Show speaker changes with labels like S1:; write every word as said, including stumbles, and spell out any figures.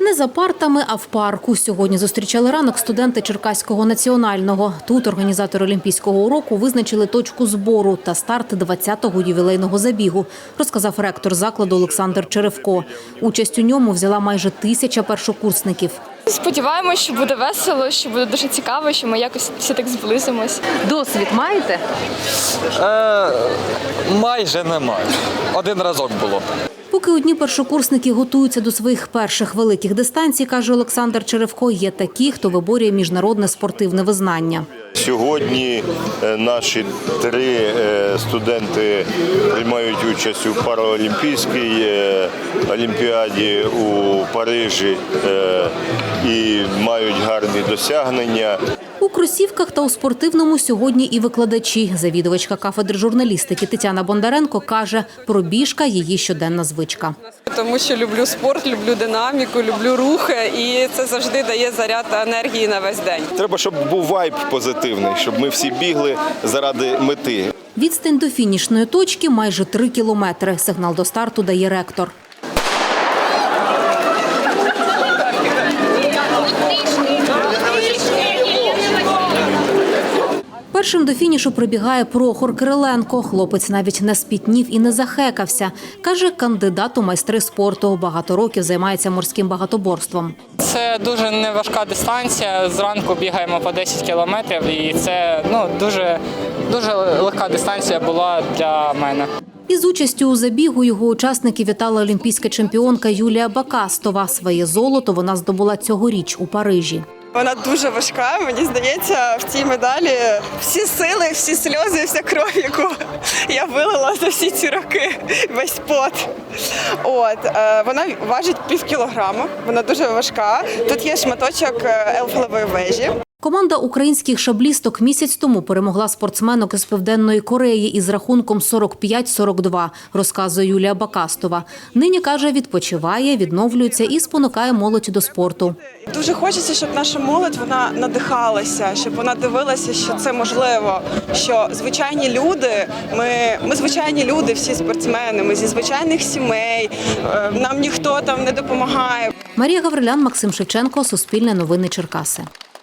S1: Не за партами, а в парку. Сьогодні зустрічали ранок студенти Черкаського національного. Тут організатори Олімпійського уроку визначили точку збору та старт двадцятого ювілейного забігу, розказав ректор закладу Олександр Черевко. Участь у ньому взяла майже тисяча першокурсників.
S2: Сподіваємось, що буде весело, що буде дуже цікаво, що ми якось всі так зблизимось.
S1: Досвід маєте?
S3: Е, майже немає. Один разок було.
S1: Поки одні першокурсники готуються до своїх перших великих дистанцій, каже Олександр Черевко, є такі, хто виборює міжнародне спортивне визнання.
S4: Сьогодні наші три студенти приймають участь у параолімпійській олімпіаді у Парижі і мають гарні досягнення.
S1: У кросівках та у спортивному сьогодні і викладачі. Завідувачка кафедри журналістики Тетяна Бондаренко каже, пробіжка – її щоденна звичка.
S5: Тому що люблю спорт, люблю динаміку, люблю рухи і це завжди дає заряд енергії на весь день.
S4: Треба, щоб був вайб позитивний, щоб ми всі бігли заради мети.
S1: Відстань до фінішної точки – майже три кілометри. Сигнал до старту дає ректор. Першим до фінішу прибігає Прохор Кириленко. Хлопець навіть не спітнів і не захекався. Каже, кандидат у майстри спорту. Багато років займається морським багатоборством.
S6: Це дуже неважка дистанція. Зранку бігаємо по десять кілометрів і це ну, дуже, дуже легка дистанція була для мене.
S1: Із участю у забігу його учасники вітала олімпійська чемпіонка Юлія Бакастова. Своє золото вона здобула цьогоріч у Парижі.
S5: Вона дуже важка, мені здається, в цій медалі всі сили, всі сльози, вся кров, яку я вилила за всі ці роки, весь пот. От, вона важить пів кілограма, вона дуже важка. Тут є шматочок Ейфелевої вежі.
S1: Команда українських шаблісток місяць тому перемогла спортсменок із Південної Кореї із рахунком сорок п'ять сорок два, розказує Юлія Бакастова. Нині, каже, відпочиває, відновлюється і спонукає молодь до спорту.
S5: Дуже хочеться, щоб наша молодь вона надихалася, щоб вона дивилася, що це можливо, що звичайні люди, ми, ми звичайні люди, всі спортсмени, ми зі звичайних сімей, нам ніхто там не допомагає.
S1: Марія Гаврилян, Максим Шевченко, Суспільне новини Черкаси.